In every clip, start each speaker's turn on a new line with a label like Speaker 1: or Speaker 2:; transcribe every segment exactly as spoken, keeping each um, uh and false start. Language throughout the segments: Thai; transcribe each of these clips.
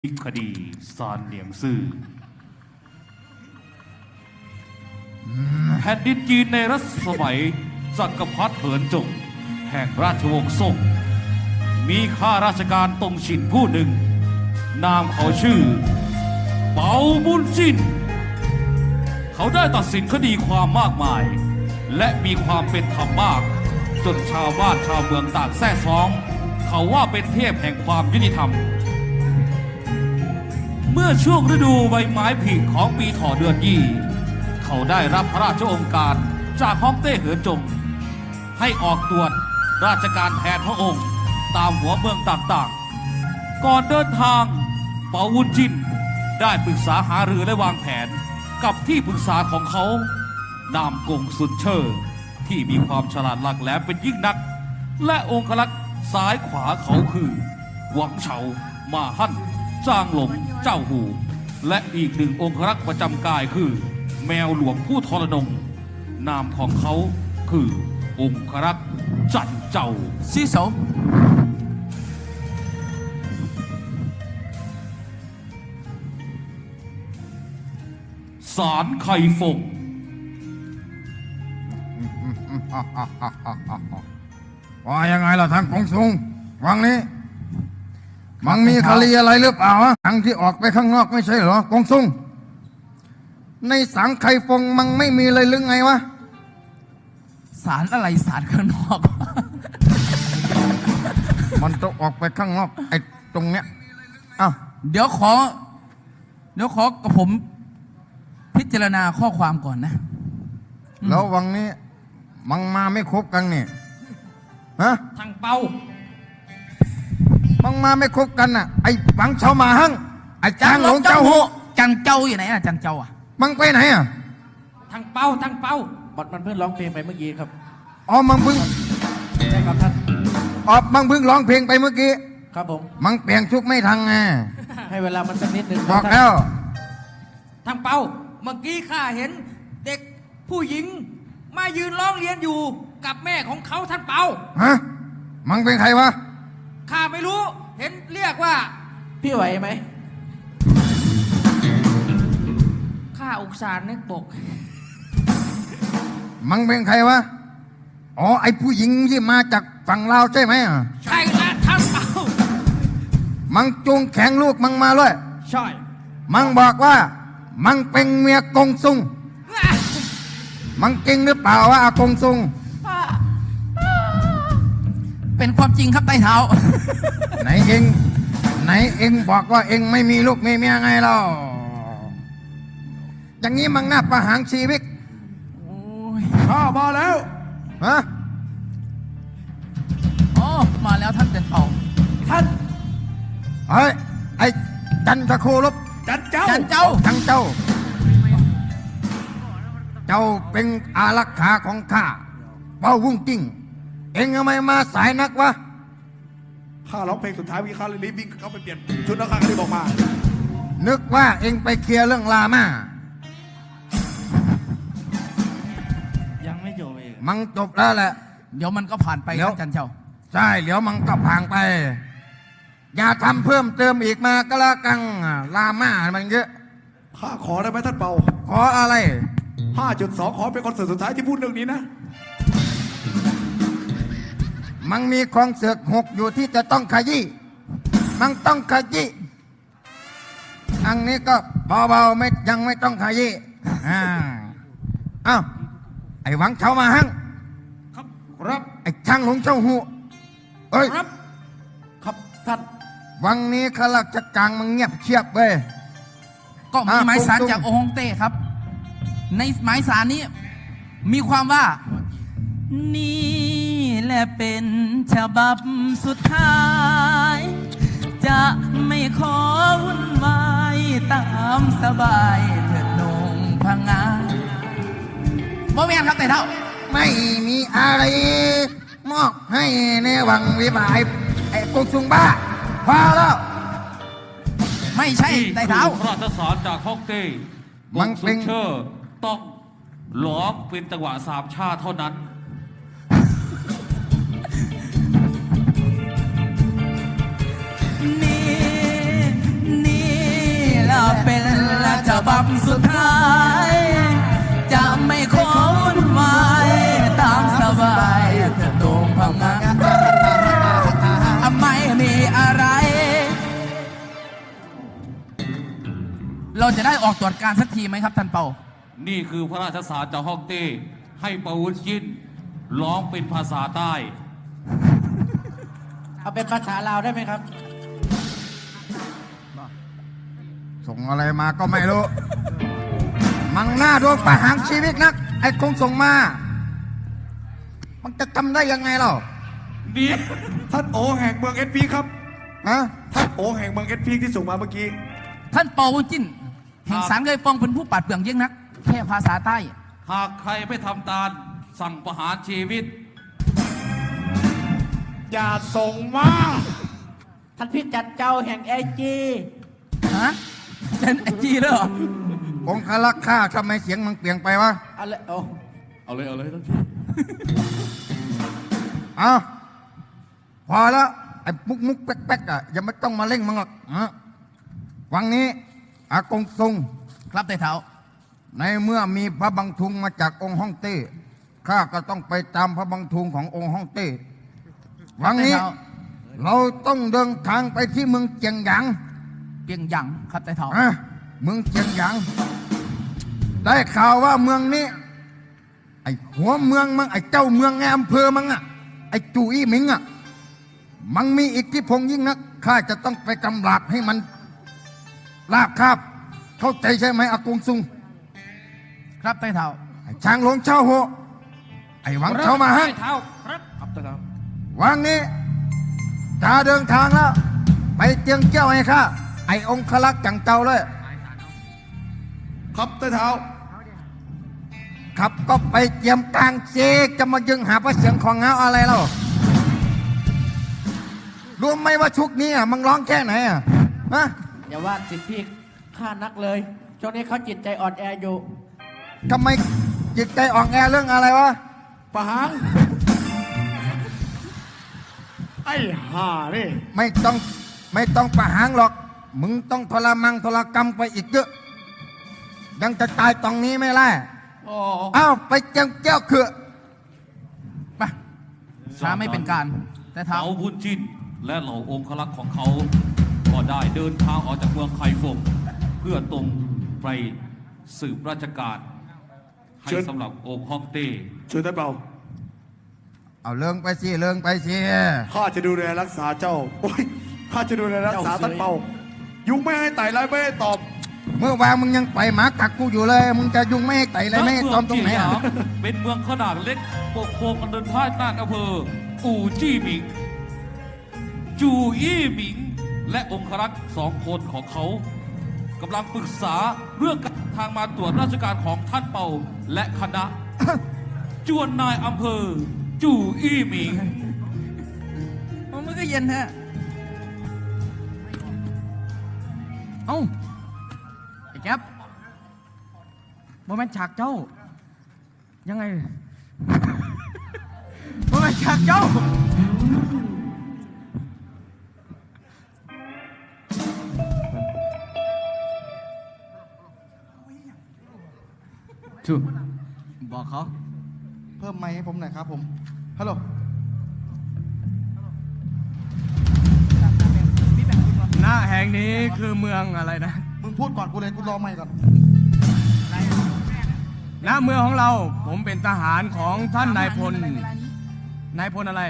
Speaker 1: คดีซานเหลียงซื่อแผ่นดินจีนในรัชสมัยจักรพรรดิเหินจงแห่งราชวงศ์ซ่งมีข้าราชการตงฉินผู้หนึ่งนามเขาชื่อเปาบุญจินเขาได้ตัดสินคดีความมากมายและมีความเป็นธรรมมากจนชาวบ้านชาวเมืองต่างแซ่ซ้องเขาว่าเป็นเทพแห่งความยุติธรรมเมื่อช่วงฤดูใบไม้ผลิของปีถอเดือนยี่เขาได้รับพระราชโองการจากฮ่องเต้เหินจงให้ออกตรวจราชการแทนพระองค์ตามหัวเมืองต่างๆก่อนเดินทางเปาวุนจินได้ปรึกษาหารือและวางแผนกับที่ปรึกษาของเขานามกงสุนเชอร์ที่มีความฉลาดหลักแหลมเป็นยิ่งนักและองครักษ์ซ้ายขวาเขาคือหวังเฉามาฮั่นจางหลงเจ้าหูและอีกหนึ่งองครักษ์ประจำกายคือแมวหลวงผู้ทรนงนามของเขาคือองครักษ์จันเจ้าซีโสสารไข่ฟง
Speaker 2: ว่ายังไงล่ะทางกงสุงวังนี้มันมีคดีอะไรหรือเปล่าทางที่ออกไปข้างนอกไม่ใช่เหรอกงสุงในสังไข่ฟงมันไม่มีเลยหรือไงวะ
Speaker 3: สารอะไรสารข้างนอก
Speaker 2: มันต้องออกไปข้างนอกไอ้ตรงเนี้ยอ้าว
Speaker 3: เดี๋ยวขอเดี๋ยวขอกับผมพิจารณาข้อความก่อนนะ
Speaker 2: แล้ววังนี้มันมาไม่ครบกันนี่ฮะ
Speaker 3: ทางเป้า
Speaker 2: มันมาไม่ครบกันน่ะไอ้ฝังเฉามาหั่งไอ้จางหลงเจ้าหู
Speaker 3: จังเจ้าอยู่ไหนอ่ะจังเจ้าอ่ะ
Speaker 2: มันไปไหนอ่ะ
Speaker 3: ทางเป้าทางเป้าบอดมันเพิ่งร้องเพลงไปเมื่อกี้ครับ
Speaker 2: อ๋อมันเพิ่ง
Speaker 3: ใช่ครับท่าน
Speaker 2: อ๋อมันเพิ่งร้องเพลงไปเมื่อกี้
Speaker 3: ครับผม
Speaker 2: มันเปลี่ยนชุดไม่ทันไง
Speaker 3: ให้เวลามันสักนิดนึง
Speaker 2: บอกแล้ว
Speaker 3: ทางเป้าเมื่อกี้ข้าเห็นเด็กผู้หญิงมายืนร้องเรียนอยู่กับแม่ของเขาท่านเปา
Speaker 2: ฮะมันเป็นใครวะ
Speaker 3: ข้าไม่รู้เห็นเรียกว่าพี่ไหวไหมข้าอุกสารนึกบก
Speaker 2: มันเป็นใครวะอ๋อไอ้ผู้หญิงที่มาจากฝั่งลาวใช่ไหม
Speaker 3: ใช่แล้วท่านเปา
Speaker 2: มันจูงแข็งลูกมันมาเลย
Speaker 3: ใช่
Speaker 2: มันบอกว่ามันเป็นเมียกงซุงมันจริงหรือเปล่าวะอากงซุง
Speaker 3: เป็นความจริงครับไต้เท้า
Speaker 2: ไหนเองไหนเองบอกว่าเองไม่มีลูกไม่มีเมียไงเล่าอย่างนี้มันน่าประหารชีวิต
Speaker 3: ข้ามาแล้ว
Speaker 2: ฮะ
Speaker 3: อ๋อมาแล้วท่านเด่นเป่าท่าน
Speaker 2: เฮ้ยไอ้จันทโคลบ
Speaker 3: จันเจ้าจันเจ้า
Speaker 2: จันเจ้าเจ้าเป็นอารักขาของข้าเป้าวุ่งจิ้งเอ็งทำไมมาสายนักวะ
Speaker 4: ข้าร้องเพลงสุดท้ายวิข้าเลยรีบวิ่งเข้าไปเปลี่ยนชุดแล้วข้าก็เลยบอกมา
Speaker 2: นึกว่าเอ็งไปเคลียร์เรื่องลามา
Speaker 3: ยังไม่จบเอง
Speaker 2: มันจบแล้วแหละ
Speaker 3: เดี๋ยวมันก็ผ่านไปแล้วจันเจ้า
Speaker 2: ใช่เดี๋ยวมันก็ผ่านไปอย่าทำเพิ่มเติมอีกมาก็แล้วกันลามามันเยอะ
Speaker 4: ข้าขอได้ไหมท่านเปา
Speaker 2: ขออะไร
Speaker 4: ห้าจุดสอง ขอเป็นคอนเสิร์ตสุดท้ายที่พูดเรื่องนี้นะ
Speaker 2: มันมีคอนเสิร์ตหกอยู่ที่จะต้องขยี้มันต้องขยี้อันนี้ก็เบาๆไม่ยังไม่ต้องขยี้อ่าอ้าวไอ้หวังเฉามาหั่ง
Speaker 3: ครับครับ
Speaker 2: ไอ้ช่างหลงเจ้าหูเอ้ย
Speaker 3: ครับครับท่าน
Speaker 2: วังนี้ข้าราชการมันเงียบเชียบเว้ย
Speaker 3: ก็มีหมายสารจากองค์ฮ่องเต้ครับในหมายสารนี้มีความว่านี่แหละเป็นฉบับสุดท้ายจะไม่ขอวุ่นวายตามสบายเถิดนงพังงาบ่แม่นครับแต่เท่า
Speaker 2: ไม่มีอะไรมอบให้ในวังวิบายไอ้กงสุงบ้าพอแล้ว
Speaker 3: ไม่ใช่แต่เท่า
Speaker 1: พระราชสารจากฮ่องเต้
Speaker 2: มันเป็น
Speaker 1: เชอร์ต้องร้องเป็นจังหวะสามชาติเท่านั้น
Speaker 3: นี่นี่สุดท้าย จะไม่ขอวุ่นวายตามสบายเถิดโด่งพังงาไม่มีอะไร เราจะได้ออกตรวจการสักทีไหมครับท่านเปา
Speaker 1: นี่คือพระราชสารจากฮ่องเต้ให้ปาวุธยินร้องเป็นภาษาใต้
Speaker 5: เอาเป็นภาษาลาวได้ไหมครับ
Speaker 2: ส่งอะไรมาก็ไม่รู้ มังหน้าดวงประหารชีวิตนัก ไอ้คงส่งมา มันจะทำได้ยังไงเรา
Speaker 1: นี่
Speaker 4: ท่านโอแห่งเมืองเอสพีครับ
Speaker 2: ฮะ
Speaker 4: ท่านโอแห่งเมืองเอสพีที่ส่งมาเมื่อกี้
Speaker 3: ท่านเปาวุ้นจิ้นแห่งสารเคยฟองเป็นผู้ปัดเปลืองเยี่ยงนัก แค่ภาษาใต้
Speaker 1: หากใครไม่ทำตามสั่งประหารชีวิต
Speaker 4: อย่าส่งมา
Speaker 5: ท่านพี่จัดเจ้าแห่งเอจี
Speaker 3: ฮะเป็นไอจีเลยเหรอ
Speaker 2: องคลักษ์ข้าทำไมเสียงมันเปลี่ยนไปวะ
Speaker 5: อะไรโอ้
Speaker 1: เอาเลยเอาเลยท่านพี่
Speaker 2: เอาพอแล้ว ไอ้มุกมุกแป๊กแป๊กอ่ะอย่าไม่ต้องมาเล่งมึงหรอกฮะวังนี้ อากงซุง
Speaker 3: ครับไต่เท้า
Speaker 2: ในเมื่อมีพระบังทุงมาจากองค์ฮ่องเต้ข้าก็ต้องไปตามพระบังทุงขององค์ฮ่องเต้วังนี้ เราต้องเดินทางไปที่เมืองเจียงหยาง
Speaker 3: เปียงหยังครับไต่เท้า
Speaker 2: อะเมืองเจียงหยาง ได้ข่าวว่าเมืองนี้ ไอ้หัวเมืองมังไอ้เจ้าเมืองในอำเภอมังอ่ะไอ้จูอี้หมิงอ่ะมันมีอิทธิพลยิ่งนักข้าจะต้องไปกำราบให้มันลาบคาบเข้าใจใช่ไหมอากงซุง
Speaker 3: ครับไต่เท้า
Speaker 2: ไอ้ช้างหลงเช่าโหไอ้หวังเช่ามาฮะ
Speaker 1: เท้าครับครับเท้า
Speaker 2: วันนี้จะเดินทางแล้ว ไปเจียงเจ้าให้ข้าไอ้องคลักษ์จังเจ้าเลย
Speaker 4: ครับใต้เท้า
Speaker 2: ครับก็ไปเจียมกลางเจจะมายึงหาพระเสียงของเงาอะไรแล้วรู้ไหมว่าชุกนี้อ่ะมึงร้องแค่ไหนอ่ะฮะ
Speaker 5: อย่าว่าสิทธิพี่ข้านักเลยช่วงนี้เขาจิตใจอ่อนแออยู่
Speaker 2: ทำไมจิตใจอ่อนแอเรื่องอะไรวะ
Speaker 4: ประหารไอ้ห่านี่
Speaker 2: ไม่ต้องไม่ต้องประหารหรอก มึงต้องทรมังทรกรรมไปอีกเยอะ ยังจะตายตรงนี้ไม่ได้
Speaker 1: อ๋อ
Speaker 2: อ้าวไปเจียงเจ้าคือ
Speaker 3: ไปช้าไม่เป็นการไต่เท้า
Speaker 1: เต๋าบุญจินและเหล่าองครักษ์ของเขา ก็ได้เดินทางออกจากเมืองไคฟงเพื่อตรงไปสืบราชการ ให้
Speaker 4: เชิญ
Speaker 1: สำหรับองค์ฮ่องเต้
Speaker 4: เชิญท่านเปา
Speaker 2: เอาเลิงไปสิเลิงไปสิ
Speaker 4: ข้าจะดูแลรักษาเจ้าโอ้ยข้าจะดูแลรักษาท่านเปา ยุงไม่ให้ไต่ไรไม่ให้ตอบ
Speaker 2: เมื่อวานมึงยังไปหมากักกูอยู่เลย มึงจะยุงไม่ให้ไต่เลยไม่ให้ตอมตรงไหน
Speaker 1: เมื
Speaker 2: อ่ะ
Speaker 1: เจียหยางเป็นเมืองขนาดเล็กปกครองกันเดินท่ายน่านอำเภออู่จี้หมิง จูอี้หมิง และองครักษ์สองคนของเขากำลังปรึกษาเรื่องการทางมาตรวจราชการของท่านเปาและคณะ จวนนายอำเภอ จูอี้หมิง
Speaker 3: มันก็เย็นฮะเอ้าไอ้แก๊ปโมเมนต์ฉากเจ้า ยังไงโมเมนต์ฉากเจ้า ชูบอกเขา
Speaker 6: เพิ่มไมค์ให้ผมหน่อยครับผม ฮัลโหล
Speaker 3: หน้าแห่งนี้คือเมืองอะไรนะ
Speaker 6: มึงพูดก่อนกูเลย กูรอไมค์ก่อน
Speaker 3: ณเมืองของเราผมเป็นทหารของท่านนายพล นายพลอะไร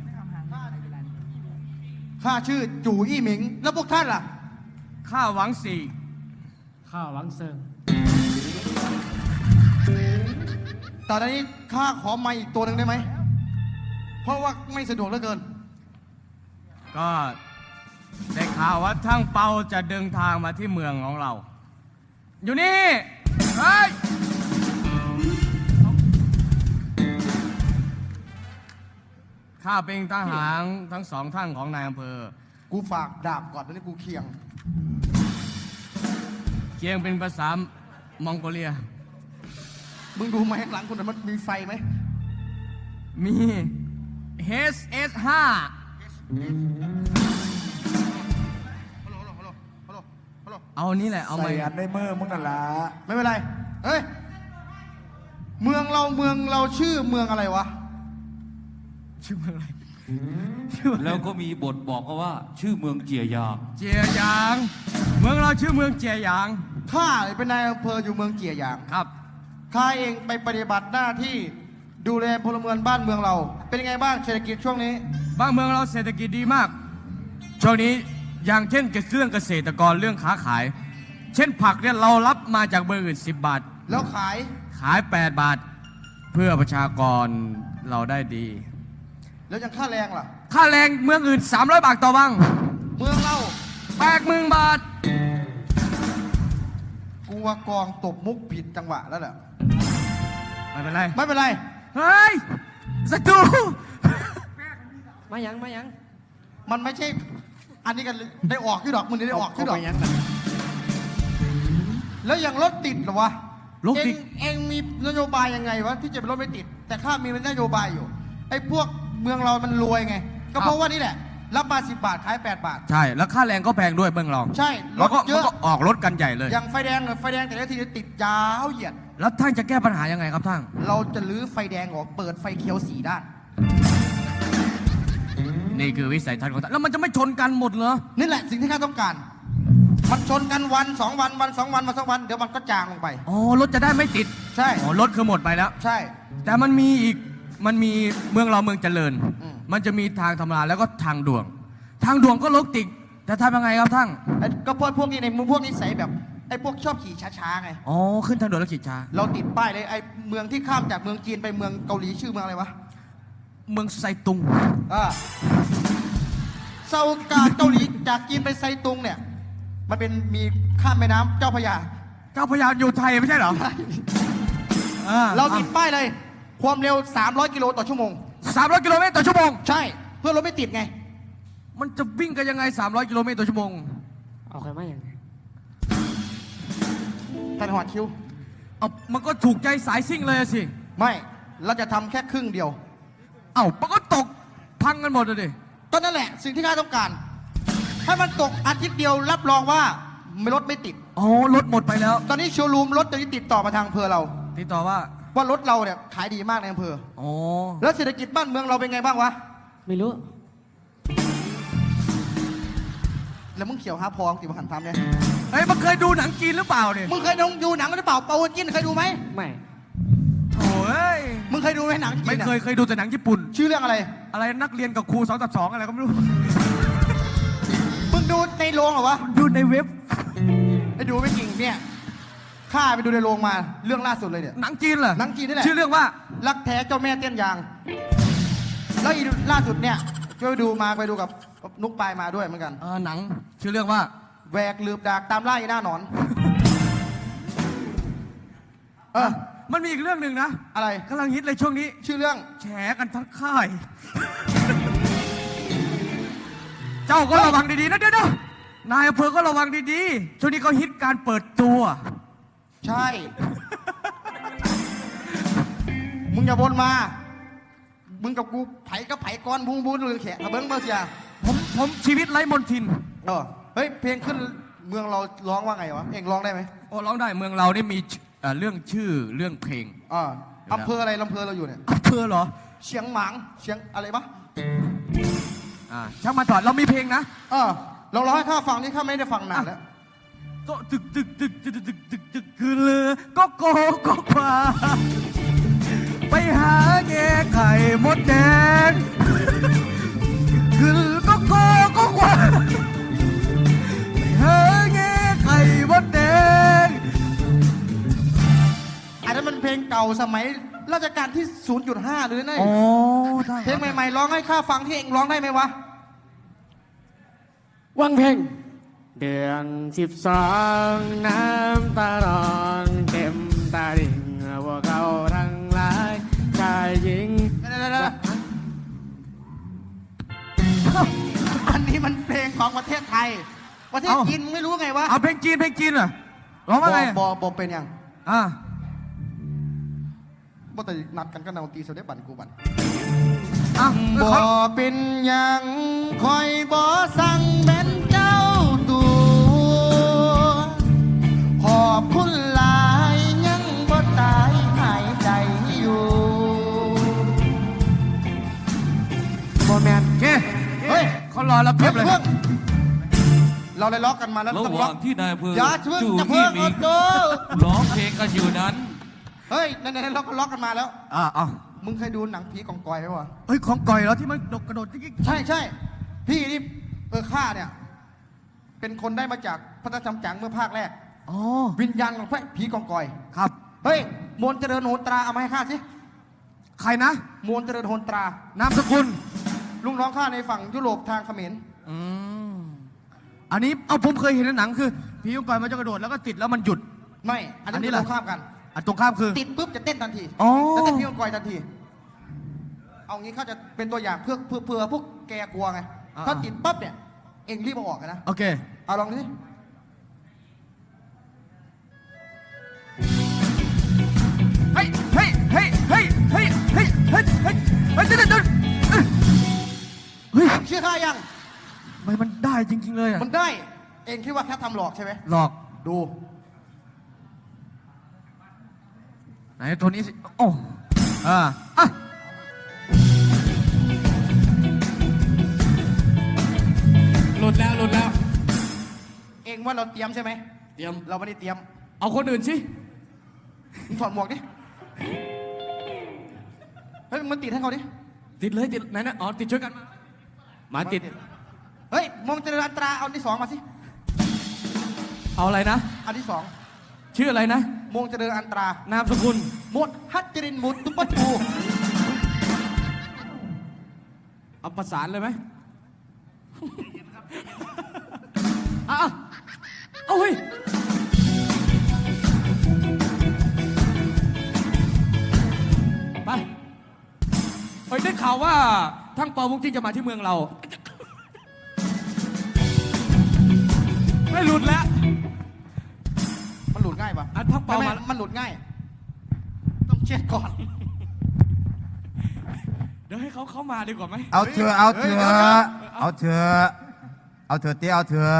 Speaker 6: ข้าชื่อจู่อี้หมิง แล้วพวกท่านล่ะ
Speaker 3: ข้าหวังสี่
Speaker 5: ข้าหวังเซิง
Speaker 6: ตอนนี้ข้าขอไมค์อีกตัวหนึ่งได้ไหม เพราะว่าไม่สะดวกเหลือเกิน
Speaker 3: ก็ได้ข่าวว่าทั้งเปาจะเดินทางมาที่เมืองของเรา อยู่นี่ เฮ้ย ข้าเป็นทหารทั้งสองท่านของนายอำเภอ
Speaker 6: กูฝากดาบก่อนตอนนี้กูเคียง
Speaker 3: เคียงเป็นภาษามองโกเลีย
Speaker 6: มึงดูไหมข้างหลังคุณน่ะมันมีไฟไหม
Speaker 3: มี เอช เอส ห้า
Speaker 6: ฮัลโหล ฮัลโหล ฮัลโหล ฮัลโหล
Speaker 3: เอาอันนี้แหละ เอาไหม
Speaker 4: ใส่อันในมือมึงนั่นละ
Speaker 6: ไม่เป็นไร เฮ้ย เมืองเราเมืองเราชื่อเมืองอะไรวะ
Speaker 3: ชื่ออะไร
Speaker 1: แล้วก็มีบทบอกเขาว่า ชื่อเมืองเจียยาง
Speaker 3: เจียยาง เมืองเราชื่อเมืองเจียยาง
Speaker 6: ข้าเป็นนายอำเภออยู่เมืองเจียหยาง
Speaker 3: ครับ
Speaker 6: ข้าเองไปปฏิบัติหน้าที่ดูแลพลเมืองบ้านเมืองเรา เป็นยังไงบ้างเศรษฐกิจช่วงนี้
Speaker 3: บ้านเมืองเราเศรษฐกิจดีมาก ช่วงนี้อย่างเช่นเรื่องเกษตรกรเรื่องค้าขาย เช่นผักเนี่ยเรารับมาจากเมืองอื่นสิบบาท
Speaker 6: แล้วขาย
Speaker 3: ขายแปดบาท เพื่อประชากรเราได้ดี
Speaker 6: แล้วยังค่าแรงล่ะ
Speaker 3: ค่าแรงเมืองอื่นสามร้อยบาทต่อวัน
Speaker 6: เมืองเรา
Speaker 3: แปดหมื่นบาท
Speaker 6: กูว่ากองตบมุกผิดจังหวะแล้วแหละ
Speaker 3: ไม่เป็นไร
Speaker 6: ไม่เป็นไร
Speaker 3: เฮ้ยศัตรู
Speaker 5: มายังมายัง
Speaker 6: มันไม่ใช่ อันนี้กันได้ออกที่ดอกมึงได้ออกที่ดอก
Speaker 5: มายังกัน
Speaker 6: แล้วยังรถติดเหรอวะ
Speaker 3: รถติด
Speaker 6: เองเองมีนโยบายยังไงวะที่จะเป็นรถไม่ติด แต่ข้ามีนโยบายอยู่ ไอ้พวกเมืองเรามันรวยไง ก็เพราะว่านี่แหละ รับมาสิบบาทขายแปดบาท
Speaker 3: ใช่ แล้วค่าแรงก็แพงด้วยเมืองเรา
Speaker 6: ใช่ร
Speaker 3: แล้ว
Speaker 6: ถ
Speaker 3: ก็
Speaker 6: เย
Speaker 3: มัน
Speaker 6: อะ
Speaker 3: ก็ออกรถกันใหญ่เลย
Speaker 6: อย่างไฟแดงเนี่ยไฟแดงแต่ละทีติดยาวเหยียด
Speaker 3: แล้วท่านจะแก้ปัญหายังไงครับท่าน
Speaker 6: เราจะลื้อไฟแดงออกเปิดไฟเขียวสีด้าน
Speaker 3: นี่คือวิสัยทัศน์ของท่านแล้วมันจะไม่ชนกันหมดเหรอ
Speaker 6: นี่แหละสิ่งที่ข้าต้องการ มันชนกันวันสองวันวันสองวันมาสองวันเดี๋ยวมันก็จางลงไป
Speaker 3: อ๋อ รถจะได้ไม่ติด
Speaker 6: ใช่
Speaker 3: อ๋อ รถคือหมดไปแล้ว
Speaker 6: ใช่
Speaker 3: แต่มันมีอีก มันมีเมืองเราเมืองเจริญ
Speaker 6: อืม
Speaker 3: มันจะมีทางธรรมดาแล้วก็ทางด่วน ทางด่วนก็รถติดจะทำยังไงครับท่าน
Speaker 6: ไอ้ก็พวกพวกนี้ในพวกนี้ใส่แบบไอ้พวกชอบขี่ช้าๆไง
Speaker 3: อ๋อ ขึ้นทางด่วนแล้วขี่ช้า
Speaker 6: เราติดป้ายเลยไอ้เมืองที่ข้ามจากเมืองจีนไปเมืองเกาหลีชื่อเมืองอะไรวะ
Speaker 3: เมืองไซตุง
Speaker 6: อ่าเซากาเกาหลีจากจีนไปไซตุงเนี่ย มันเป็นมีข้ามแม่น้ำเจ้าพระยา
Speaker 3: เจ้าพระยาอยู่ไทยไม่ใช่เหรออ่
Speaker 6: เราติดป้ายเลย ความเร็วสามร้อยกิโลต่อชั่วโมง
Speaker 3: สามร้อยกิโลเมตรต่อชั่วโมง
Speaker 6: ใช่ เพื่อรถไม่ติดไง
Speaker 3: มันจะวิ่งกันยังไงสามร้อยกิโลเมตรต่อชั่วโมง
Speaker 5: เอาใครมายัง
Speaker 6: ท่านหอดคิว
Speaker 3: เอามันก็ถูกใจสายซิ่งเลยอะสิ
Speaker 6: ไม่ เราจะทำแค่ครึ่งเดียว
Speaker 3: เอ้ามันก็ตกพังกันหมดเลยดิ
Speaker 6: ก็นั่นแหละสิ่งที่ข้าต้องการ ถ้ามันตกอาทิตย์เดียวรับรองว่าไม่รถไม่ติด
Speaker 3: อ๋อ รถหมดไปแล้ว
Speaker 6: ตอนนี้โชว์รูมรถตอนนี้ติดต่อมาทางอำเภอเรา
Speaker 3: ติดต่อว่า
Speaker 6: ว่ารถเราเนี่ยขายดีมากในอำเภอ
Speaker 3: อ๋อ
Speaker 6: แล้วเศรษฐกิจบ้านเมืองเราเป็นไงบ้างวะ
Speaker 5: ไม่รู้
Speaker 6: แล้วมึงเขียวหาพองติมาหันพามเนี่ย
Speaker 3: เฮ้ยมันเคยดูหนังจีนหรือเปล่าเนี่ย
Speaker 6: มึงเคยดูหนังหรือเปล่าเปาจินเคยดูไหม
Speaker 5: ไม่
Speaker 3: โอ้ย
Speaker 6: มึงเคยดูไหมหนังจีน
Speaker 3: ไม่
Speaker 6: อะ
Speaker 3: เคยเคยดูแต่หนังญี่ปุ่น
Speaker 6: ชื่อเรื่องอะไร
Speaker 3: อะไรนักเรียนกับครูสองต่อสองอะไรก็ไม่รู้
Speaker 6: มึงดูในโรงเหรอวะ
Speaker 3: ดูในเว็บ
Speaker 6: ไอ้ดูไม่จริงเนี่ยข้าไปดูในโรงมาเรื่องล่าสุดเลยเนี่ย
Speaker 3: หนังจีนเหรอ
Speaker 6: หนังจีนนี่แหละ
Speaker 3: ชื่อเรื่องว่า
Speaker 6: รักแท้เจ้าแม่เต้นยาง แล้วอีล่าสุดเนี่ยก็ไปดูมาไปดูกับนุกปายมาด้วยเหมือนกัน
Speaker 3: เออหนัง ชื่อเรื่องว่า
Speaker 6: แหวกลืบดากตามล่าอีหน้าหนอน เออ
Speaker 3: มันมีอีกเรื่องหนึ่งนะ
Speaker 6: อะไร
Speaker 3: กำลังฮิตเลยช่วงนี้
Speaker 6: ชื่อเรื่อง
Speaker 3: แฉกันทั้งค่าย เจ้าก็ระวังดีๆนะเดี๋ยวเดี๋ยวนายอำเภอก็ระวังดีๆ ช่วงนี้เขาฮิตการเปิดตัว
Speaker 6: ใช่ มึงอย่าวนมา มึงกับกูไผ่กับไผ่ก้อนบุ้งบุ้งเรืองแขกกระเบิ้งเบอร์เสีย
Speaker 3: ผมผมชีวิตไร้มนทิน
Speaker 6: เออเฮ้ยเพลงขึ้นเมืองเราร้องว่าไงวะเองร้องได้ไหม
Speaker 3: โอ้ร้องได้เมืองเรานี่มีเอ่อเรื่องชื่อเรื่องเพลง
Speaker 6: อ่าอำเภออะไรลำเภอเราอยู่เนี่ย
Speaker 3: อำเภอเหรอ
Speaker 6: เชียงหมางเชียงอะไรปะ
Speaker 3: อ่าช่างมาถอดเรามีเพลงนะ
Speaker 6: เออเราร้องให้ข้าฟังนี่ข้าไม่ได้ฟังนานแล้ว
Speaker 3: โตะตึกตึกตึกตึกตึกตึกตึกคือเรือก็โกก็ควาไปหาแง่ไข่มดแดงคือก็โกก็ควาไปหาแง่ไข่มดแดง
Speaker 6: อันนั้นมันเพลงเก่าสมัยราชการที่ ศูนย์จุดห้า หรือไง
Speaker 3: อ๋อได้
Speaker 6: เพลงใหม่ๆร้องให้ข้าฟังที่เองร้องได้ไหมวะ
Speaker 5: วังเพลงเดือนสิบสองน้ำตาลอนเต็มตาดิ่งพวกเขาทั้งหลายชายหญิง
Speaker 6: อันนี้มันเพลงของประเทศไทย ประเทศจีนมึงไม่รู้ไงวะ
Speaker 3: เอาเพลงจีนเพลงจีนเหรอร้องว่าไง
Speaker 6: บอบอเป็นยัง
Speaker 3: อ่า
Speaker 6: บ่แต่นัดกันก็นาตีเสด็จบันกูบัน
Speaker 3: อ่ะ
Speaker 6: บ่เป็นยังคอยบ่สั่งเป็นเจ้าตัว
Speaker 2: อแล้วเพียบเลย
Speaker 6: เพิ่งเราเลยล็อกกันมาแล้ว
Speaker 1: ระ
Speaker 6: ต้อง
Speaker 1: ห
Speaker 6: ล็
Speaker 1: ว่าง
Speaker 6: อก
Speaker 1: ที่นายอำเภอ
Speaker 6: อย่าเพิ่ง
Speaker 1: จู่
Speaker 6: จะ
Speaker 1: ยี่
Speaker 6: เพิ่ง
Speaker 1: หมี
Speaker 6: โด
Speaker 1: ร้องเพลงกันอยู่นั้น
Speaker 6: เฮ้ยนั่นๆล็อกก็ล็อกกันมาแล้ว
Speaker 2: อ่าเอา
Speaker 6: มึงเคยดูหนังผีกองกอยไหมวะ
Speaker 2: เฮ้ยของก่อยแล้วที่มันกระโดดจิ๊ก
Speaker 6: ใช่ใช่พี่นี่เออข้าเนี่ย เป็นคนได้มาจากพระธรรมจังเมื่อภาคแรก
Speaker 2: อ๋อ
Speaker 6: วิญญาณของพระผีกองกอย
Speaker 2: ครับ
Speaker 6: เฮ้ยมวลเจริญโหนตราเอามาให้ข้าสิ
Speaker 2: ใครนะ
Speaker 6: มวลเจริญโหนตรา
Speaker 2: นามสกุล
Speaker 6: ลุงน้องข้าในฝั่งยุโรปทางเขมร
Speaker 2: อืมอันนี้เอาผมเคยเห็นในหนังคือผีของก่อยมันจะกระโดดแล้วก็ติดแล้วมันหยุด
Speaker 6: ไม่ อัน
Speaker 2: อันนี้
Speaker 6: นี้
Speaker 2: เหรอ
Speaker 6: เราข้ามกัน
Speaker 2: อันตรงข้ามคือ
Speaker 6: ติดปุ๊บจะเต้นทันที
Speaker 2: อ๋อ
Speaker 6: แล้วเต้นผีกองกอยทันที เอางี้ข้าจะเป็นตัวอย่างเพื่อเพื่อเพื่อพวกแกกลัวไง
Speaker 2: อ่า
Speaker 6: ถ้าติดปั๊บเนี่ย เองรีบเอาออกกันนะ
Speaker 2: โอเค
Speaker 6: เอาลองดูสิ
Speaker 2: เฮ้ย เฮ้ย เฮ้ย เฮ้ย เฮ้ย เฮ้ย เฮ้ย เฮ้ย เฮ้ยเดี๋ยวเดี๋ยวเดี๋ยวเฮ้ย
Speaker 6: เชื่อข้ายัง
Speaker 2: ทำไมมันได้จริง ๆ เลยอ่ะ
Speaker 6: มันได้ เองคิดว่าแค่ทำหลอกใช่ไหม
Speaker 2: หลอก
Speaker 6: ดู
Speaker 2: ไหนตัวนี้สิ โอ้อ่าอ่ะ
Speaker 5: หลุดแล้วหลุดแล้ว
Speaker 6: เองว่าเราเตรียมใช่ไหม
Speaker 5: เตรียม
Speaker 6: เราไม่ได้เตรียม
Speaker 5: เอาคนอื่นสิ
Speaker 6: มึงถอดหมวกดิ เฮ้ยมันติดให้เขาดิ
Speaker 5: ติดเลยติดไหนนะอ๋อติดช่วยกันมามาติด
Speaker 6: เฮ้ยมองเจริญอัตราเอาอันที่สองมาสิ
Speaker 5: เอาอะไรนะ
Speaker 6: อันที่สอง
Speaker 5: ชื่ออะไรนะ
Speaker 6: มงเจริญอันตราน
Speaker 5: ามสกุล
Speaker 6: หมดฮัตจรินหมุดตุ๊ปะตู
Speaker 5: เอาประสานเลยไหม อ่ะเอาเฮ้ยไปเฮ้ยได้ข่าวว่าทั้งเปาวุ้งจิ้งจะมาที่เมืองเรา ไม่หลุดแล้ว
Speaker 6: มันหลุดง่ายปะ
Speaker 5: อันพักเปา
Speaker 6: ไม่
Speaker 5: มา
Speaker 6: ไม่มันหลุดง่าย ต้องเช็ดก่อน
Speaker 5: เดี๋ยวให้เขาเข้ามาดีกว่าไหม
Speaker 2: เอาเถอะเอาเถ
Speaker 6: เฮ้ย
Speaker 2: อะ
Speaker 6: เดี๋ยวเดี๋ยว
Speaker 2: เอาเถอะเอาเถอะเตี้ยเอาเถอะ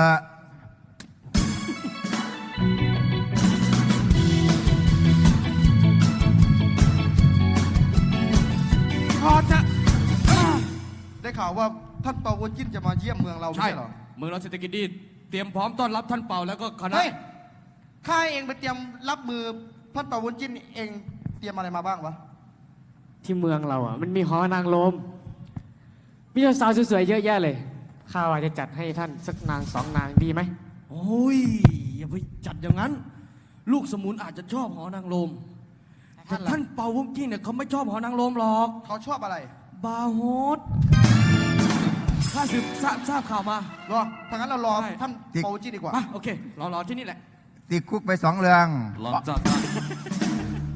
Speaker 5: พอจะ
Speaker 6: ได้ข่าวว่าท่านเปาวุ้นจิ้นจะมาเยี่ยมเมืองเราไม่
Speaker 5: ใช่
Speaker 6: ใช่เหรอ
Speaker 5: เมืองเราเศรษฐกิจดีเตรียมพร้อมต้อนรับท่านเปาแล้วก็คณะ
Speaker 6: เฮ้ยข้าเองไปเตรียมรับมือท่านเปาวุ้นจิ้นเองเตรียมอะไรมาบ้างวะ
Speaker 7: ที่เมืองเราอ่ะมันมีหอนางลม มีสาวสวยๆเยอะแยะเลย ข้าว่าจะจัดให้ท่านสักนางสองนางดีไหม
Speaker 5: โอ้ยอย่าไปจัดอย่างนั้น ลูกสมุนอาจจะชอบหอนางลมแต่ท่านเปาวุ้งกิ้งเนี่ยเขาไม่ชอบหอนางลมหรอก
Speaker 6: เขาชอบอะไร
Speaker 5: บาร์โฮสข้าสืบทราบทราบข่าวมา
Speaker 6: รอถ้างั้นเรารอ
Speaker 5: ใช่
Speaker 6: ท่านเปาวุ้นจิ้นดีกว่า
Speaker 5: มาโอเครอรอที่นี่แหละ
Speaker 2: ติดคุกไปสองเรื่อง
Speaker 1: หลังจากนั้น